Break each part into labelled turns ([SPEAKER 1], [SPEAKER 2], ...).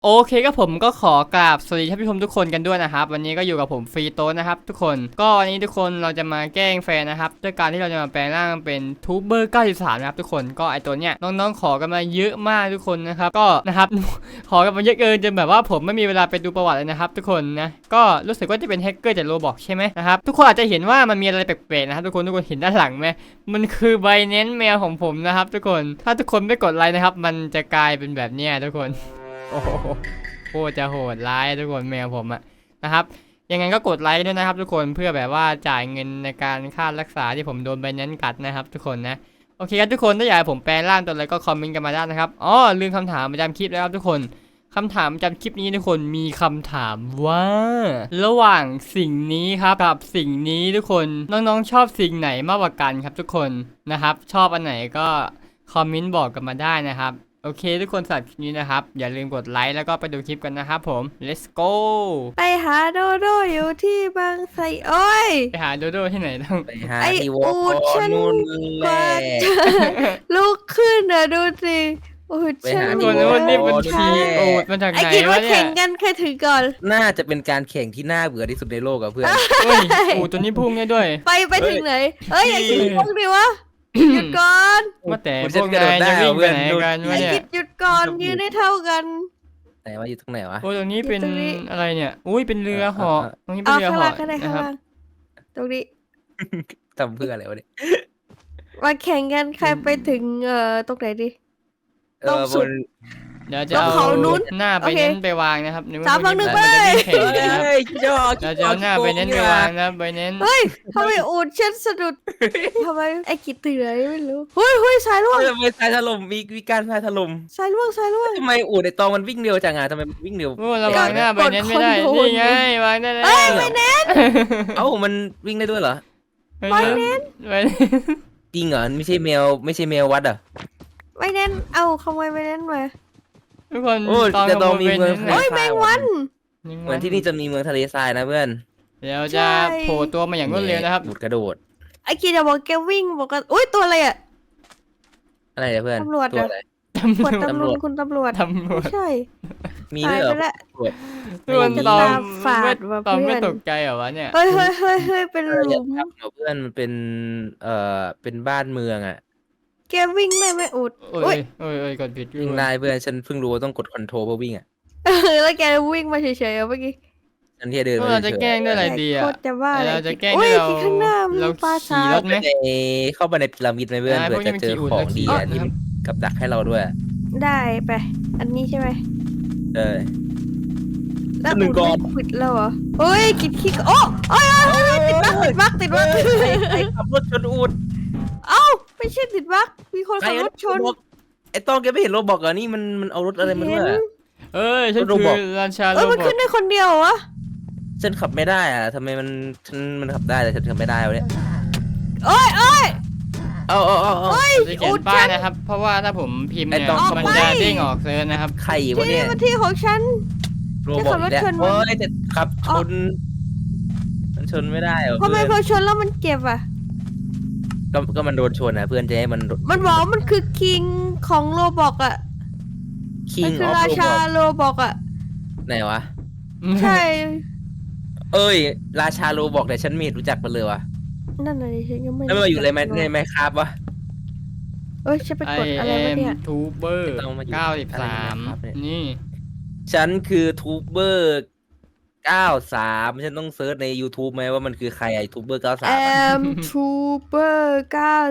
[SPEAKER 1] โอเคก็ผมก็ขอกราบสวัสดีท่านผู้ชมทุกคนกันด้วยนะครับวันนี้ก็อยู่กับผมฟรีโต้นะครับทุกคนก็วันนี้ทุกคนเราจะมาแกล้งแฟนนะครับด้วยการที่เราจะมาแปลงร่างเป็นทูบเบอร์93นะครับทุกคนก็ไอตัวเนี้ยน้องๆขอกันมาเยอะมากทุกคนนะครับก็นะครับ ขอกันมาเยอะเกินจนแบบว่าผมไม่มีเวลาไปดูประวัติเลยนะครับทุกคนนะก็รู้สึกว่าจะเป็นแฮกเกอร์จากโรบอกใช่ไหมนะครับทุกคนอาจจะเห็นว่ามันมีอะไรแปลกๆนะครับทุกคนเห็นด้านหลังไหมมันคือใบเน้นแมวของผมนะครับทุกคนถ้าทุกคนไม่กดไลค์นะครับมันจะกลายเป็นแบบเนี้ยทุกคนโอ้โหโคตรจะโหดร้ายทุกคนแมวผมอะนะครับยังไงก็กดไลค์ด้วยนะครับทุกคนเพื่อแบบว่าจ่ายเงินในการค่ารักษาที่ผมโดนใบนั้นกัดนะครับทุกคนนะโอเคครับทุกคนถ้าอยากให้ผมแปลร่างตัวอะไรก็คอมเมนต์กันมาได้นะครับอ๋อลืมคำถามประจำคลิปแล้วครับทุกคนคำถามประจำคลิปนี้ทุกคนมีคำถามว่าระหว่างสิ่งนี้ครับกับสิ่งนี้ทุกคนน้องๆชอบสิ่งไหนมากกว่ากันครับทุกคนนะครับชอบอันไหนก็คอมเมนต์บอกกันมาได้นะครับโอเคทุกคนสำหรับคลิปนี้นะครับอย่าลืมกดไลค์แล้วก็ไปดูคลิปกันนะครับผม let's go
[SPEAKER 2] ไปหาโดโดอยู่ที่บางไทรโอ้ย
[SPEAKER 1] ไปหาโดโดที่ไหนต้อง
[SPEAKER 3] ไปหา
[SPEAKER 2] ไอ้
[SPEAKER 3] ที่ว
[SPEAKER 2] อู
[SPEAKER 3] อ
[SPEAKER 2] ดฉัน
[SPEAKER 3] นู่น
[SPEAKER 2] ก
[SPEAKER 3] แหละ
[SPEAKER 2] ว่าจะลุกขึ้นนะดูสิอูด
[SPEAKER 3] ไป
[SPEAKER 2] ฉัน
[SPEAKER 3] หา
[SPEAKER 1] ทุกคนว่านี่เป็นชีโอดมาจาก
[SPEAKER 2] ไอ้
[SPEAKER 1] ไหน
[SPEAKER 2] คิดว่าว
[SPEAKER 1] ะเนี่
[SPEAKER 2] แข่
[SPEAKER 1] ย
[SPEAKER 2] งกันใครถึงก่อน
[SPEAKER 3] น่าจะเป็นการแข่งที่น่าเบื่อที่สุดในโลกอะเพื่อน
[SPEAKER 1] เฮ้ยอูดตัวนี้พุ่งได้ด้วย
[SPEAKER 2] ไปถึงไหนเอ้ยไอ้คิดพวกดิวะหยุดก่อน
[SPEAKER 1] ว่าแต่
[SPEAKER 3] คุณ
[SPEAKER 1] พวก
[SPEAKER 3] จะกระโด
[SPEAKER 1] นา
[SPEAKER 3] ด
[SPEAKER 1] ย
[SPEAKER 3] ได้
[SPEAKER 1] จะ
[SPEAKER 3] เหร
[SPEAKER 1] วิ่
[SPEAKER 3] อง
[SPEAKER 1] ไป
[SPEAKER 3] เพื่อน
[SPEAKER 1] ไหนกันวะ
[SPEAKER 2] ไอ้
[SPEAKER 1] เนี่ย
[SPEAKER 2] คิดหยุดก่อนยืนได้เท่ากัน
[SPEAKER 3] ไหนว่าอยู่ตรงไหนวะ
[SPEAKER 1] โอ้ตรงนี้เป็น
[SPEAKER 2] อยู่ตรงนี้
[SPEAKER 1] อะไรเนี่ยอุ้ยเป็นเรือเหาะตรงนี้เป็
[SPEAKER 2] เอา
[SPEAKER 1] นเรือ
[SPEAKER 2] ข้าง
[SPEAKER 1] เหาะ
[SPEAKER 2] ล่างก็ได้
[SPEAKER 1] นะ
[SPEAKER 2] ข้าง
[SPEAKER 1] ครับ
[SPEAKER 2] ล่างตรงนี้
[SPEAKER 3] ทำเพื่ออะไรวะเนี่ย
[SPEAKER 2] มาแข่งกันใครไปถึงตรงไหนดิ
[SPEAKER 3] เอ
[SPEAKER 2] ต้อง
[SPEAKER 3] อ
[SPEAKER 2] สุ
[SPEAKER 3] บ
[SPEAKER 2] ด
[SPEAKER 3] น
[SPEAKER 1] เดี๋ยวจะ
[SPEAKER 2] ต้อง
[SPEAKER 1] เอา
[SPEAKER 2] เขานู้น
[SPEAKER 1] หน้าไป
[SPEAKER 2] โอเค
[SPEAKER 1] เน้นไปวางนะครับนึกว่
[SPEAKER 2] สามสองหนึ่ง
[SPEAKER 1] มัจะวิ่แข่ง
[SPEAKER 3] เฮ้
[SPEAKER 1] นะครับ
[SPEAKER 3] ยยอด
[SPEAKER 1] เราจะเอาหน้าไปเน้นไปวางนะไปเน้น
[SPEAKER 2] เฮ้ยทำไมอูดฉันสะดุดทำไมไอ้กิดตื่นอะไรไม่รู้เฮ้ยสายล่วง
[SPEAKER 3] ทำไมทรายถล่มมีการทรายถล่ม
[SPEAKER 2] สายล่วง
[SPEAKER 3] ทำไมอูดในตองมันวิ่งเร็วจังอะทำไมมันวิ่งเร็ว
[SPEAKER 1] โอ้เราวางหน้าไปเน้นไม่ได้
[SPEAKER 2] กดคอนโทรล
[SPEAKER 1] นี่ไงวางได้แล้ว
[SPEAKER 2] เอ้ยไม่แน่
[SPEAKER 3] เอ้ามันวิ่งได้ด้วยเหรอ
[SPEAKER 1] ไปเน้นไปเน้น
[SPEAKER 3] จริงเหรอไม่ใช่แมววัดอะ
[SPEAKER 2] ไม่แน่นเอาขโมยไม่แน่นมา
[SPEAKER 1] ทุกคน
[SPEAKER 3] โอ้ย
[SPEAKER 1] ตอน
[SPEAKER 3] แต่
[SPEAKER 1] ข
[SPEAKER 3] ตอน
[SPEAKER 1] โม
[SPEAKER 3] มี
[SPEAKER 1] ยไป
[SPEAKER 3] เมือง
[SPEAKER 1] เน้น
[SPEAKER 2] เฮ้ยแมงวัน
[SPEAKER 3] เหมือนที่นี่จะมีเมืองทะเลทรายนะเพื่อน
[SPEAKER 1] เดี๋ยวจะโผล่ตัวมาอย่างรวดเร็วนะครับ
[SPEAKER 3] อูดกระโดด
[SPEAKER 2] ไอ้กิดจะบอกแกวิ่งบอกกันอุ้ยตัวอะไรอ่ะ
[SPEAKER 3] อะไรเนี่ยเพื่อน
[SPEAKER 2] ตำรวจ
[SPEAKER 3] ตัว
[SPEAKER 2] อะ
[SPEAKER 3] อะไร
[SPEAKER 2] ขวด
[SPEAKER 3] ตำรวจ
[SPEAKER 2] คุณตำรวจ
[SPEAKER 1] ตำรว
[SPEAKER 2] ไม่
[SPEAKER 1] จ
[SPEAKER 2] ใช่
[SPEAKER 3] มี
[SPEAKER 2] ตา
[SPEAKER 3] ด้วย ยเหร
[SPEAKER 2] ไป
[SPEAKER 3] อ
[SPEAKER 2] แล้ว
[SPEAKER 1] ทุกคน
[SPEAKER 2] จะ
[SPEAKER 1] ตอ
[SPEAKER 2] ตาม ฝาดว่ะ
[SPEAKER 1] ตอม
[SPEAKER 2] เพื่
[SPEAKER 1] ไม่
[SPEAKER 2] อน
[SPEAKER 1] ตกใจเหรอวะเนี่ย
[SPEAKER 2] เฮ้ยเป็นห
[SPEAKER 3] อย่า
[SPEAKER 2] ลุม
[SPEAKER 3] ทำเพื่อนมันเป็นเป็นบ้านเมืองอ่ะ
[SPEAKER 2] แกวิ่งได้ไหมอุด
[SPEAKER 1] โอ้
[SPEAKER 2] อุ้
[SPEAKER 1] ย
[SPEAKER 2] ย
[SPEAKER 1] โอ้ยกดผิด
[SPEAKER 3] วิ่งได้เพื่อนฉันเพิ่งรู้ว่าต้องกดคอนโทรลเพื่อวิ่งอ่ะ
[SPEAKER 2] แล้วแกวิ่งมาเฉยๆเมื่อกี้
[SPEAKER 3] ฉันที่เดิน
[SPEAKER 1] พวก
[SPEAKER 3] มา
[SPEAKER 1] เราจะ
[SPEAKER 3] เฉย
[SPEAKER 1] แกล้งด้วยอะไรดีอ่ะ
[SPEAKER 2] โคตรจะว่าอะไร
[SPEAKER 1] เราจะแกล้ง
[SPEAKER 2] อุ้
[SPEAKER 1] ที่
[SPEAKER 2] ย
[SPEAKER 1] เรา
[SPEAKER 2] ที่ข้างหน้ามี
[SPEAKER 1] เรา
[SPEAKER 2] ปลา
[SPEAKER 1] ขี่
[SPEAKER 2] ทราร ย
[SPEAKER 1] ถไหม
[SPEAKER 3] เข้าไปในพีระมิดไหมเพื่อน
[SPEAKER 1] ได้
[SPEAKER 3] เผื่อจะเจอ
[SPEAKER 1] พวกนี้มัน
[SPEAKER 3] ของดี
[SPEAKER 1] ขี่
[SPEAKER 3] อ่ะ
[SPEAKER 1] อุ่น
[SPEAKER 3] ที่
[SPEAKER 1] แล้ว
[SPEAKER 3] มันกับดักให้เราด้วย
[SPEAKER 2] ได้ไป อันนี้ใช่ไหม
[SPEAKER 3] เออ
[SPEAKER 2] แล้ว
[SPEAKER 3] หนึ่
[SPEAKER 2] อุ
[SPEAKER 3] ง
[SPEAKER 2] ด
[SPEAKER 3] ก่อน
[SPEAKER 2] ไม่ควิดแล้วเหรอเฮ้ยกิดขี้โอ้เอ้ยติดบัก
[SPEAKER 3] ใครขับรถชนอูด
[SPEAKER 2] เอ้าไม่ใช่ติดบักมีคน
[SPEAKER 3] ใคร
[SPEAKER 2] ขับรถชน
[SPEAKER 3] ไอ้ต้องแกไม่เห็นโรบอกเหรอนี่มันเอารถอะไรมาด้วยอะ
[SPEAKER 1] เอ้ยฉัน
[SPEAKER 3] โร
[SPEAKER 1] คื
[SPEAKER 3] บอ
[SPEAKER 1] อ
[SPEAKER 3] ท
[SPEAKER 1] ราชาโร
[SPEAKER 2] เอ้ย
[SPEAKER 1] บ
[SPEAKER 2] มัน
[SPEAKER 1] อ
[SPEAKER 2] ขึ้
[SPEAKER 1] ท
[SPEAKER 2] นได้คนเดียวเหรอวะ
[SPEAKER 3] ฉันขับไม่ได้อ่ะทำไมมันขับได้แต่ฉันขับไม่ได้วะเนี่ย
[SPEAKER 2] เอ้ย
[SPEAKER 3] เอา
[SPEAKER 2] เฮ้ย
[SPEAKER 1] จะเขีย
[SPEAKER 2] อุ
[SPEAKER 1] น
[SPEAKER 2] ด
[SPEAKER 1] ป้า
[SPEAKER 2] ฉั
[SPEAKER 1] ย
[SPEAKER 2] น
[SPEAKER 1] นะครับ เพราะว่าถ้าผมพิมพ์เนี่ย
[SPEAKER 3] ไอ้ต้อง
[SPEAKER 1] มัน
[SPEAKER 2] ออก
[SPEAKER 1] จะ
[SPEAKER 2] ไป
[SPEAKER 1] เด้งออกเซิร์ชนะครับ
[SPEAKER 3] ใครวะ
[SPEAKER 2] ที่
[SPEAKER 3] เนี่
[SPEAKER 2] นี่
[SPEAKER 3] ย
[SPEAKER 2] มันที่ของฉัน
[SPEAKER 3] โรบอกอีกแล้ว
[SPEAKER 2] จะขับรถชนมัน
[SPEAKER 3] โอ้ยจะขับชนมันชนไม่ได้เหรอ
[SPEAKER 2] ทำไม
[SPEAKER 3] เพื่อน
[SPEAKER 2] พอชนแล้วมันเจ็บอ่ะ
[SPEAKER 3] ก็มันโดนชนนะเพื่อนจะให้มัน
[SPEAKER 2] มันบอกว่ามันคือคิงของโรบอกอ่ะ
[SPEAKER 3] คิ
[SPEAKER 2] มั
[SPEAKER 3] ง
[SPEAKER 2] นคือ
[SPEAKER 3] ออฟ
[SPEAKER 2] รา
[SPEAKER 3] โร
[SPEAKER 2] ชา
[SPEAKER 3] บอก
[SPEAKER 2] โรบอกอ่ะ
[SPEAKER 3] ไหนวะ
[SPEAKER 2] ใช่
[SPEAKER 3] เอ้ย ราชาโรบอกแต่ฉันไม่เห็นรู้จักมันเลยวะ
[SPEAKER 2] นั่นน่ะดิฉันยังไม่
[SPEAKER 3] แล้วมันมาอยู่ในไมครับวะ
[SPEAKER 2] เอ้ยฉันไป
[SPEAKER 1] ไอก
[SPEAKER 2] ดอะไร
[SPEAKER 1] เอ็
[SPEAKER 2] วะ
[SPEAKER 1] ม
[SPEAKER 2] เนี่ย
[SPEAKER 1] ทูเบอร์
[SPEAKER 3] ต้องมาอยู่อะไรใน
[SPEAKER 1] 93
[SPEAKER 3] ครับเนี่ย
[SPEAKER 1] นี่
[SPEAKER 3] ฉันคือทูบเบอร์93ฉันต้องเซิร์ชใน YouTube ไหมว่ามันคือใครไอ้ทูบเบอร์
[SPEAKER 2] แอ
[SPEAKER 3] 93
[SPEAKER 2] มทูเบอร์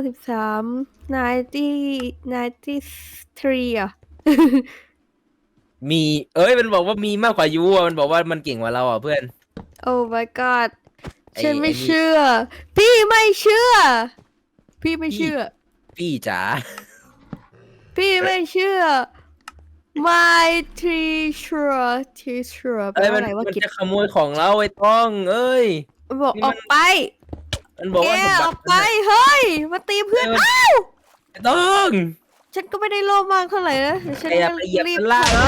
[SPEAKER 2] 93 93อ่ะ
[SPEAKER 3] มีมันบอกว่ามีมากกว่ายูอ่ะมันบอกว่ามันเก่งกว่าเราอ่ะเพื่อน
[SPEAKER 2] โอ้ my god
[SPEAKER 3] ไอ้
[SPEAKER 2] ฉันไม่
[SPEAKER 3] ไอ้นี่
[SPEAKER 2] เชื่อ พี่ไม่เชื่อ พี่ไม่เชื่อ
[SPEAKER 3] พี่จ๋า
[SPEAKER 2] พี่ไม่เชื่อ my teacher แปลว่าอะไรว่า
[SPEAKER 3] มัน
[SPEAKER 2] กิจ
[SPEAKER 3] จะขโมยของเราไอ้ต้องเอ้ย
[SPEAKER 2] บอก
[SPEAKER 3] นี่
[SPEAKER 2] อ
[SPEAKER 3] มั
[SPEAKER 2] อน กไป
[SPEAKER 3] มันบอก
[SPEAKER 2] แก
[SPEAKER 3] ว่า
[SPEAKER 2] ออกไป เฮ้ย มาตีเพื่อน อ้าว
[SPEAKER 3] ไอ้ต้อง
[SPEAKER 2] ฉันก็ไม่ได้โลภมากเท่าไหร่นะแต่ฉัน
[SPEAKER 3] แกอย่าไปเหยียบ
[SPEAKER 2] รีบ
[SPEAKER 3] มันล่างเลย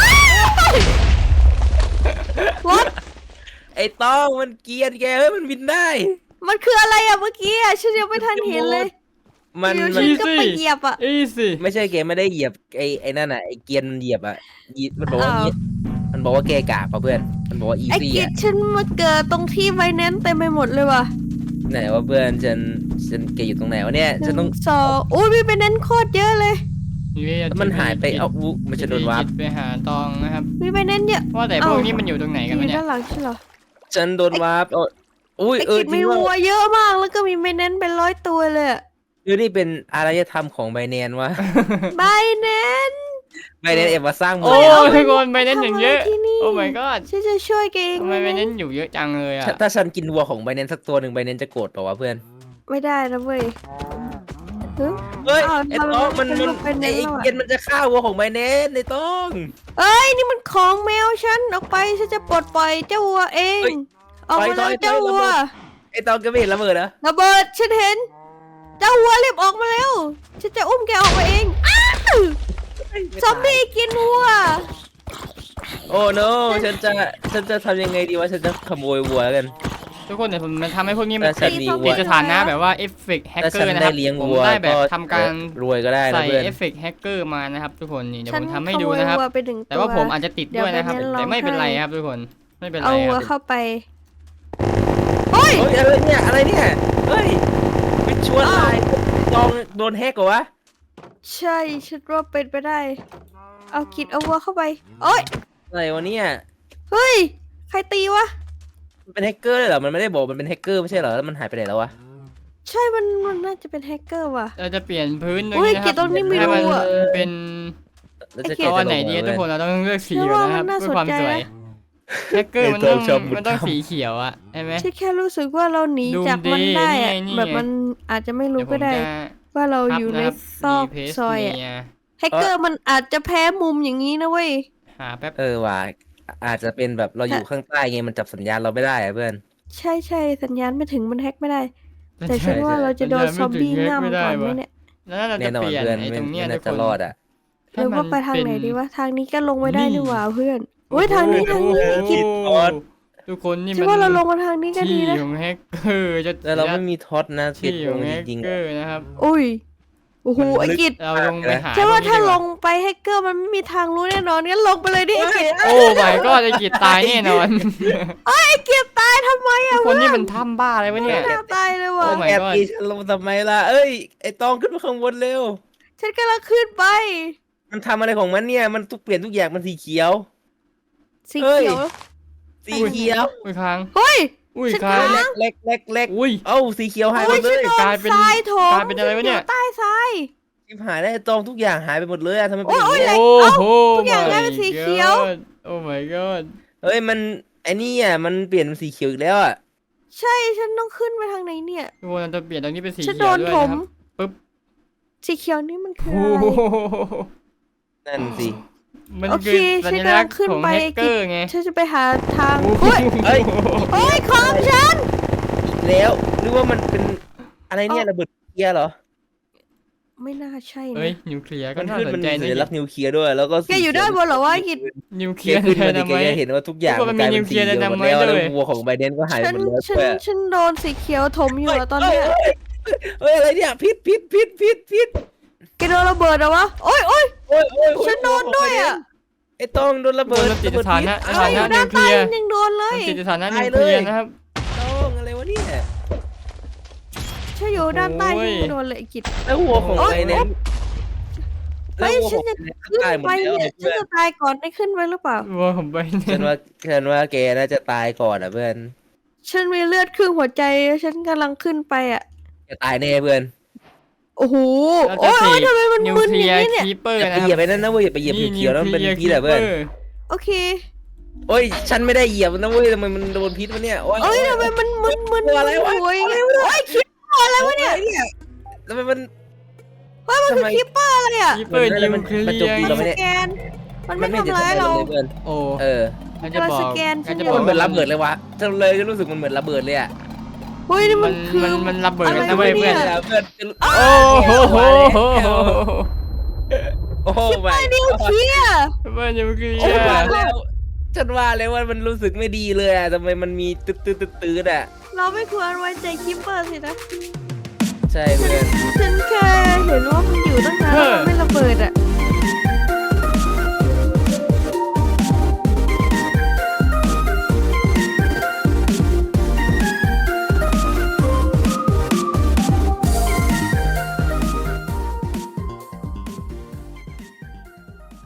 [SPEAKER 2] รถ
[SPEAKER 3] ไอ้ต้องมันเกรียนแกมันบินได้
[SPEAKER 2] มันคืออะไรอะเมื่อกี้อะฉันยังไม่ทันเห็นเลย
[SPEAKER 3] มัน
[SPEAKER 2] อยู่
[SPEAKER 3] มัน
[SPEAKER 2] ฉันก็ไปเหยียบอ่ะ
[SPEAKER 1] อีสิ
[SPEAKER 3] ไม่ใช่แกไม่ได้เหยียบไอ้นั่นอ่ะไอ้เกียร์มันเหยียบอ่ะมันบอกว่า
[SPEAKER 2] อ้าว
[SPEAKER 3] มันบอกว่าแกกากป่ะเพื่อนมันบอกว่าอี
[SPEAKER 2] ไอ้
[SPEAKER 3] ซี่
[SPEAKER 2] กิจ
[SPEAKER 3] อ่ะ
[SPEAKER 2] ฉันมาเกิดตรงที่ไวแนนซ์เต็มไปหมดเลยว่ะ
[SPEAKER 3] ไหนว่าเพื่อนฉันแกอยู่ตรงไหนวะเนี่ย
[SPEAKER 2] ห
[SPEAKER 3] ฉันต้
[SPEAKER 2] นึ่
[SPEAKER 3] อง
[SPEAKER 2] งสองอุ้ยมีไวแนนซ์โคตรเยอะเลย
[SPEAKER 3] มันหายไปเอ้าอุ๊มันจะโดนวาร์ป
[SPEAKER 1] ไปหาตองนะครับ
[SPEAKER 2] มีไวแนนซ์เยอะ
[SPEAKER 1] ว่าแต่พวกนี้มันอยู่ตรงไหน
[SPEAKER 2] อ
[SPEAKER 1] กัน
[SPEAKER 2] ยู่
[SPEAKER 1] วะเนี่ย
[SPEAKER 2] ด้านหลังใช่เหรอ
[SPEAKER 3] ฉันโดนวาร์ปอุ้ย
[SPEAKER 2] ไอ้
[SPEAKER 3] เออ
[SPEAKER 2] กิจ
[SPEAKER 3] จริ
[SPEAKER 2] มี
[SPEAKER 3] งว่า
[SPEAKER 2] วัวเยอะมากแล้วก็มีไวแนนซ์เป็น100 ตัวเลยอะ
[SPEAKER 3] นี่เป็นอารยธรรมของไบแนนวะ
[SPEAKER 2] ไวแนนซ์
[SPEAKER 3] ไบแนนเอ็มมาสร้างเมื
[SPEAKER 1] โอ้
[SPEAKER 3] อง
[SPEAKER 1] ทุกคนไปเน้นอย่างเยอะ
[SPEAKER 2] ทำอะไรที่นี่
[SPEAKER 1] โอ้ my god
[SPEAKER 2] ฉันจะช่วยแกเอง
[SPEAKER 1] ทำไมไปเน้นอยู่เยอะจังเลยอ่ะ
[SPEAKER 3] ถ้าฉันกินวัวของไบแนนสักตัวหนึ่งไบแนนจะโกรธเปล่าวะเพื่อน
[SPEAKER 2] ไม่ได้นะเว้ยเฮ้ย
[SPEAKER 3] เฮ้ย
[SPEAKER 2] อ้าว
[SPEAKER 3] ไอ้
[SPEAKER 2] ทำไม
[SPEAKER 3] ต้องมัน
[SPEAKER 2] เป็นรูปไบแน
[SPEAKER 3] ไอ้
[SPEAKER 2] นซ์แล้วอะ
[SPEAKER 3] เกียนมันจะฆ่าวัวของไบแนนในต้อง
[SPEAKER 2] เอ้ยนี่มันของแมวฉันออกไปฉันจะปลดปล่อยเจ้าวัวเอง
[SPEAKER 3] เฮ้ย
[SPEAKER 2] ออกมา
[SPEAKER 3] ถ
[SPEAKER 2] แล้
[SPEAKER 3] อ
[SPEAKER 2] วย เจ้า
[SPEAKER 3] ถอย
[SPEAKER 2] วัว
[SPEAKER 3] ไอ้ต้องแกไม่เห็นระเบิดเหรอ
[SPEAKER 2] ระเบิดฉันเห็น เจ้าวัวรีบออกมาแล้วฉันจะอุ้มแกออกมาเองอ้าวซอมบี้กินวัว
[SPEAKER 3] โอ้โนฉันจะทำยังไงดีวะฉันจะขโมยวัวแล้วกัน
[SPEAKER 1] ทุกคนเนี่ยผมมันทำให้พวกนี้มัน
[SPEAKER 3] แต่ฉันมีวัว
[SPEAKER 1] ติดสถานะแบบว่าเอฟเฟกต์แฮก
[SPEAKER 3] ถ้า
[SPEAKER 1] เกอ
[SPEAKER 3] ฉัน
[SPEAKER 1] ร์นะค
[SPEAKER 3] ได้
[SPEAKER 1] รับ
[SPEAKER 3] เลี้ยง
[SPEAKER 1] ผม
[SPEAKER 3] วัว
[SPEAKER 1] ได้แบบ
[SPEAKER 3] ก็
[SPEAKER 1] ทำการ
[SPEAKER 3] รวยก็ได้นะ
[SPEAKER 1] ใส่
[SPEAKER 3] เพื่อน
[SPEAKER 1] เอฟเฟกต์แฮกเกอร์มานะครับทุกคนนี่เดี๋ยว
[SPEAKER 2] ฉัน
[SPEAKER 1] ผมทำให้
[SPEAKER 2] ข
[SPEAKER 1] ดู
[SPEAKER 2] โมย
[SPEAKER 1] นะครับ
[SPEAKER 2] วัวไป1
[SPEAKER 1] แต่ว่าผมอาจจะติดด้วยนะครับ
[SPEAKER 2] เดี๋ยว
[SPEAKER 1] แต่ไม่เป็นไร
[SPEAKER 2] ให้
[SPEAKER 1] ครับทุกคนไม่เป็นไร
[SPEAKER 2] เอา
[SPEAKER 1] ค
[SPEAKER 2] วัว
[SPEAKER 1] รับ
[SPEAKER 2] เข้าไปเฮ้ย
[SPEAKER 3] เฮ้ยอะไรเนี่ยเฮ้ยไปชวนอะไรลองโดนแฮกเหรอวะ
[SPEAKER 2] ใช่ฉันว่าเป็นไปได้ เอากิดเอาวัวเข้าไปโอ้ย
[SPEAKER 3] อะไรวะเนี่ย
[SPEAKER 2] เฮ้ยใครตีวะ
[SPEAKER 3] มันเป็นแฮกเกอร์เลยเหรอมันไม่ได้บอกมันเป็นแฮกเกอร์ไม่ใช่เหรอแล้วมันหายไปไหนแล้ววะ
[SPEAKER 2] ใช่มันน่าจะเป็นแฮกเกอร์ว่ะ
[SPEAKER 1] เราจะเปลี่ยนพื้นตรง
[SPEAKER 2] อุ้ย
[SPEAKER 1] นี้นะค
[SPEAKER 2] กิ
[SPEAKER 1] รั
[SPEAKER 2] จตรงนี้มี
[SPEAKER 1] ให้มัน
[SPEAKER 2] รูอะ
[SPEAKER 1] เป็น
[SPEAKER 3] แล้วจะ
[SPEAKER 2] ไอ้เก
[SPEAKER 1] เอา
[SPEAKER 2] ต
[SPEAKER 1] อันไหนดี
[SPEAKER 3] จะลง
[SPEAKER 1] ทุกคนเราต้องเลือกสี
[SPEAKER 2] ฉัน
[SPEAKER 1] อยู่
[SPEAKER 2] ว่า
[SPEAKER 1] นะครับ
[SPEAKER 2] มันน่า
[SPEAKER 1] เพื่อความ
[SPEAKER 2] สนใจ
[SPEAKER 1] สวย
[SPEAKER 2] นะ
[SPEAKER 1] แฮกเกอร์มัน
[SPEAKER 3] ไอ้
[SPEAKER 1] ต้
[SPEAKER 3] ตั
[SPEAKER 1] อ
[SPEAKER 3] ว
[SPEAKER 1] ง
[SPEAKER 3] ชอบมุด
[SPEAKER 1] มันต้อง
[SPEAKER 3] ถ้ำ
[SPEAKER 1] สีเขียวอะใช่ไหม
[SPEAKER 2] ฉันแค่รู้สึกว่าเราหนีจากมันได้อะ
[SPEAKER 1] นี่ไง
[SPEAKER 2] แบบมันอาจจะไม่รู้
[SPEAKER 1] เดี๋ยวผม
[SPEAKER 2] ก็ได้
[SPEAKER 1] จะ
[SPEAKER 2] ว่าเรา
[SPEAKER 1] พับ
[SPEAKER 2] อยู่ใน
[SPEAKER 1] นะครับ
[SPEAKER 2] ซอก
[SPEAKER 1] มีเพจ
[SPEAKER 2] ซอยอะ
[SPEAKER 1] เมีย
[SPEAKER 2] แฮกเกอร์มันอาจจะแพ้มุมอย่างนี้นะเว้ย
[SPEAKER 1] หาแป๊บ
[SPEAKER 3] ว่ะอาจจะเป็นแบบเราอยู่ข้างใต้ไงมันจับสัญญาณเราไม่ได้อะเพื่อน
[SPEAKER 2] ใช่ใช่สัญญาณไม่ถึงมันแฮกไม่ได้ แต่
[SPEAKER 1] ใช่
[SPEAKER 2] ฉันว่าเราจะโดน
[SPEAKER 1] สัญ
[SPEAKER 2] ซ
[SPEAKER 1] ญา
[SPEAKER 2] อ
[SPEAKER 1] ณ
[SPEAKER 2] ม
[SPEAKER 1] ไม่ถึง
[SPEAKER 2] บี้
[SPEAKER 1] แฮก
[SPEAKER 2] ง่ำ
[SPEAKER 1] ไม่ได้
[SPEAKER 2] ก่อนไหม
[SPEAKER 1] วะ
[SPEAKER 2] เนี่ย
[SPEAKER 1] แล้วเรา
[SPEAKER 3] แน่
[SPEAKER 1] จะ
[SPEAKER 3] นอ
[SPEAKER 1] เป
[SPEAKER 3] น
[SPEAKER 1] ลี่ยน
[SPEAKER 3] เพื่อน
[SPEAKER 1] ไอ้ตรงเนี้ย
[SPEAKER 3] ไม่
[SPEAKER 1] ทุ
[SPEAKER 3] น่าก จะ
[SPEAKER 1] คน
[SPEAKER 3] รอดอ่ะ
[SPEAKER 2] เดี๋ยวว่าไปทางไหนดีวะทางนี้ก็ลงไม่ได้นี่หว่าเพื่อนโอ้ยทางนี้ทางนี้
[SPEAKER 1] โอ้โห
[SPEAKER 2] คิด
[SPEAKER 1] ทุกคนนี่
[SPEAKER 2] ฉั
[SPEAKER 1] มัน น
[SPEAKER 2] ว่าเราลงมาทางนี้ก็ดี
[SPEAKER 1] ที่
[SPEAKER 2] นะ
[SPEAKER 1] ของแฮกเกอร์จะ
[SPEAKER 3] แต่เราไม่มีท็อตนะ
[SPEAKER 1] ที่
[SPEAKER 3] ที่
[SPEAKER 1] ข
[SPEAKER 3] ล
[SPEAKER 1] อง
[SPEAKER 3] ง
[SPEAKER 1] แฮ
[SPEAKER 3] จ
[SPEAKER 1] ก
[SPEAKER 3] ริงๆ
[SPEAKER 1] เกอ
[SPEAKER 3] อะ
[SPEAKER 1] ร์นะครับ
[SPEAKER 2] อุ้ยโอ้โห
[SPEAKER 3] มัน
[SPEAKER 2] ไอ้
[SPEAKER 3] ลึก
[SPEAKER 2] กิจ
[SPEAKER 1] เราลงไปหา
[SPEAKER 2] ฉันว่าถ้า
[SPEAKER 1] พ
[SPEAKER 2] ล
[SPEAKER 1] ก
[SPEAKER 2] ง
[SPEAKER 1] นี้ดีก
[SPEAKER 2] ไปแฮกเกอร์มันไม่มีทางรู้แน่นอนงั้นลงไปเลยดิไอ้กิจ
[SPEAKER 1] โอ้ my god ไอ้กิจตายแน่นอน
[SPEAKER 2] ไอ้กิจตายทำไม
[SPEAKER 1] ทุ
[SPEAKER 2] อะ
[SPEAKER 1] กคนนี่มันทำบ้าอะไรวะเนี่ย
[SPEAKER 2] น่าตายเลยว่ะ
[SPEAKER 1] โอ้ my
[SPEAKER 3] แอบ
[SPEAKER 1] god
[SPEAKER 3] ตีฉันลงทำไมล่ะเอ้ยไอ้ตองขึ้นมาข้างบนเร็ว
[SPEAKER 2] ฉันกำลังขึ้นไป
[SPEAKER 3] มันทำอะไรของมันเนี่ยมันทุกเปลี่ยนทุกอย่างมันสีเขียว
[SPEAKER 2] สี
[SPEAKER 3] เฮ้ย
[SPEAKER 2] เขียว
[SPEAKER 3] สีเขียว
[SPEAKER 1] อุ้ยค้าง
[SPEAKER 2] เฮ้ย
[SPEAKER 1] อุ้ย
[SPEAKER 2] ฉัน
[SPEAKER 1] ค้าง
[SPEAKER 2] ค้าง
[SPEAKER 3] เล็ก
[SPEAKER 1] อุ้ย
[SPEAKER 3] เอ้าสีเขียวหายหม
[SPEAKER 2] โอ้ย
[SPEAKER 3] ดเล
[SPEAKER 2] ฉัน
[SPEAKER 3] ย
[SPEAKER 2] โดน
[SPEAKER 1] กลายเป็น
[SPEAKER 2] ทรายโถม
[SPEAKER 1] กลายเป็นอะไรวะเนี่ย
[SPEAKER 2] ฉัใต้ทราย
[SPEAKER 3] ชิบหายได้วไอ้ตองทุกอย่างหายไปหมดเลยอะทำไมเป็นอย่าง
[SPEAKER 2] โอ้ย
[SPEAKER 3] นี้
[SPEAKER 2] โอ้
[SPEAKER 3] อะ
[SPEAKER 2] ย
[SPEAKER 1] โอ้โห
[SPEAKER 2] ทุกอย่างกลายเป็นสีเขียว
[SPEAKER 1] โอ้ my god
[SPEAKER 3] เฮ้ยมันไอ้นี่อ่ะมันเปลี่ยนเป็นสีเขียวอีกแล้วอ่ะ
[SPEAKER 2] ใช่ฉันต้องขึ้นไปทางไหนเนี่ย
[SPEAKER 1] ทุกคนเราจะเปลี่ยนตรงนี้เป็นสี
[SPEAKER 2] ฉัน
[SPEAKER 1] เขี
[SPEAKER 2] โด
[SPEAKER 1] ยวน ด้วย
[SPEAKER 2] ถ
[SPEAKER 1] นะ
[SPEAKER 2] ม
[SPEAKER 1] ครับปึ๊บ
[SPEAKER 2] สีเขียวนี่มันคือ
[SPEAKER 1] โอ้
[SPEAKER 2] อะไร
[SPEAKER 1] โห
[SPEAKER 3] นั่นสิ
[SPEAKER 1] มัน
[SPEAKER 2] โอเค
[SPEAKER 1] คือสัญลักษณ์
[SPEAKER 2] ฉันกำลังขึ้น
[SPEAKER 1] ของ
[SPEAKER 2] ไป
[SPEAKER 1] แฮกเกอร์ไง
[SPEAKER 2] ฉันจะไปหาทาง
[SPEAKER 1] โอ้โห
[SPEAKER 2] เฮ้ย
[SPEAKER 3] เฮ้ย
[SPEAKER 2] โอ้ยของฉัน
[SPEAKER 3] อีกแล้วหรือว่ามันเป็นอะไรเนี่ยระเบิดนิวเคลียร์เหรอ
[SPEAKER 2] ไม่น่าใช่
[SPEAKER 1] เอ้ย
[SPEAKER 2] นะ
[SPEAKER 1] นิวเคลียร์ก็
[SPEAKER 3] มัน
[SPEAKER 1] น่า
[SPEAKER 3] ขึ้น
[SPEAKER 1] ส
[SPEAKER 3] มัน น
[SPEAKER 1] ใจ
[SPEAKER 3] มี
[SPEAKER 1] นะ
[SPEAKER 3] สัญลักษณ์นิวเคลียร์ด้วยแล้วก็
[SPEAKER 2] แกอยู่ด้านบนเหรอวะไอ้กิจ
[SPEAKER 1] นิวเค
[SPEAKER 3] เค
[SPEAKER 1] ลียร์
[SPEAKER 3] ขึ้นมา
[SPEAKER 1] ได
[SPEAKER 3] ดิ
[SPEAKER 1] นา
[SPEAKER 3] แก
[SPEAKER 1] ไม
[SPEAKER 3] จะ
[SPEAKER 1] ต์
[SPEAKER 3] เห็นว่าทุกอย่าง
[SPEAKER 1] ทุกคน
[SPEAKER 3] กลายเป็น
[SPEAKER 1] มีนิวเคลี
[SPEAKER 3] สี
[SPEAKER 1] ยร์
[SPEAKER 3] เขียวหมด
[SPEAKER 1] ไดนาไมต์
[SPEAKER 3] แล้ว
[SPEAKER 1] ด้วย
[SPEAKER 3] แล้ววัวของไบเดนก็หาย
[SPEAKER 2] ฉั
[SPEAKER 3] ห
[SPEAKER 2] น
[SPEAKER 3] มดแล้ว
[SPEAKER 2] ฉัน
[SPEAKER 3] ด้วย
[SPEAKER 2] ฉันโดนสีเขียวถมอยู่อะตอนเนี้ย
[SPEAKER 3] เฮ้ยอะไรเนี่ยพิษ
[SPEAKER 2] แกโดนระเบิดเหรอวะโอ้ยโอ้ย
[SPEAKER 3] โอ้ย
[SPEAKER 2] ฉันโดนด้วยอะ
[SPEAKER 3] ไอ้ต้องโดนระ
[SPEAKER 1] โด
[SPEAKER 3] เบิ
[SPEAKER 1] น
[SPEAKER 3] ด
[SPEAKER 1] ติดสถานะ
[SPEAKER 3] ระ
[SPEAKER 1] ส
[SPEAKER 3] เบิ
[SPEAKER 1] ถา
[SPEAKER 3] ด
[SPEAKER 1] นะ
[SPEAKER 3] พิษ
[SPEAKER 2] อยู่ด้านใต้มันยังโดนเลย
[SPEAKER 1] ติดสถานะนิวเคลียร์นะครับ
[SPEAKER 3] ต้องอะไรวะเนี่ย
[SPEAKER 2] ฉันอยู่ด้านใต้
[SPEAKER 1] โอ้ย
[SPEAKER 2] ฉันยังโดนเลยไอ้กิจ
[SPEAKER 3] แล้ววัวของไบเดน
[SPEAKER 2] เฮ้ยฉันจะ ขึ้น
[SPEAKER 3] ตายหมด
[SPEAKER 2] ไป
[SPEAKER 3] แล้ว
[SPEAKER 2] เนี่ยฉันจะตายก่อนได้ขึ้นไปหรือเปล่า
[SPEAKER 1] วัวของไบเด
[SPEAKER 3] ฉั
[SPEAKER 1] น
[SPEAKER 3] นว่าแกน่าจะตายก่อนอ่ะเพื่อน
[SPEAKER 2] ฉันมีเลือดครึ่งหัวใจฉันกำลังขึ้นไปอ่ะ
[SPEAKER 3] แกตายแน่เพื่อน
[SPEAKER 2] โอ้โห
[SPEAKER 1] เรา
[SPEAKER 2] โอ้
[SPEAKER 1] จะ
[SPEAKER 2] ย
[SPEAKER 1] เส
[SPEAKER 2] โอ้ย
[SPEAKER 1] ก
[SPEAKER 2] ทำไมมัน
[SPEAKER 1] นิว
[SPEAKER 2] มึน
[SPEAKER 1] เค
[SPEAKER 2] อ
[SPEAKER 1] ลีย
[SPEAKER 2] ย่าง
[SPEAKER 1] ร์
[SPEAKER 2] นี้เนี่ย
[SPEAKER 1] คีเปอร์
[SPEAKER 3] อย่า
[SPEAKER 1] นะ
[SPEAKER 3] ไป
[SPEAKER 1] ค
[SPEAKER 3] เหยีย
[SPEAKER 1] รั
[SPEAKER 3] บบ ไปนั่นนะเว้ยอย่าไปเหยียบเขียวๆแล้วมันเป็นพิษอะเพื่อน
[SPEAKER 2] โอเค
[SPEAKER 3] โอ้ยฉันไม่ได้เหยียบนะเว้ยทำไมมันโดนพิษวะเนี่ยโอ้ย
[SPEAKER 2] เอ้ยทำไมมันมึน
[SPEAKER 3] ตัวอะไรวะ
[SPEAKER 2] โอ้ยโอ้ยคิปเปอร์อะไรวะเนี่ย
[SPEAKER 3] ทำไมมัน
[SPEAKER 2] เฮ้ยมันคือ
[SPEAKER 3] ทำไม
[SPEAKER 2] คิปเปอร์อะไรอ่ะ
[SPEAKER 1] คีเปอร์นิวเคลี
[SPEAKER 3] มันโจมตี
[SPEAKER 1] ย
[SPEAKER 3] เรา
[SPEAKER 1] ร์
[SPEAKER 3] ไม่
[SPEAKER 2] ส
[SPEAKER 3] ได้
[SPEAKER 2] แกนมันไม่ทำร้ายเรา
[SPEAKER 3] เพื่อน
[SPEAKER 1] โอ้
[SPEAKER 3] เออ
[SPEAKER 1] ฉันจะบอก
[SPEAKER 2] สแกนฉัน
[SPEAKER 1] จะ
[SPEAKER 2] อยู่
[SPEAKER 1] บอ
[SPEAKER 3] มัน
[SPEAKER 1] ก
[SPEAKER 3] เหมือนระเบิดเลยวะฉันเลยรู้สึกมันเหมือนระเบิดเลยอ่ะ
[SPEAKER 2] เฮ้ยนี่มันคือ
[SPEAKER 1] มันระเบิด
[SPEAKER 2] อะไร
[SPEAKER 1] นะเว้ย
[SPEAKER 2] วะ
[SPEAKER 1] เพื่
[SPEAKER 2] เนี่
[SPEAKER 1] อน
[SPEAKER 2] ย
[SPEAKER 3] เพื่อน
[SPEAKER 1] โอ้โห
[SPEAKER 3] โอ้โห
[SPEAKER 2] ไอ้นิวเคลียร์
[SPEAKER 1] เพื่อนนิวเคลีย
[SPEAKER 3] ฉันว่า
[SPEAKER 1] ร์
[SPEAKER 3] แล้วฉันว่าแล้วว่ามันรู้สึกไม่ดีเลยอ่ะทำไมมันมีตืดอ่ะ
[SPEAKER 2] เราไม่ควรไว้ใจคิปเปอร์สินะ
[SPEAKER 3] ฉัใช่เพื่อน
[SPEAKER 2] ฉันแค่เห็นว่ามันอยู่ตั้งนานแล้วมันไม่ระเบิดอ่ะ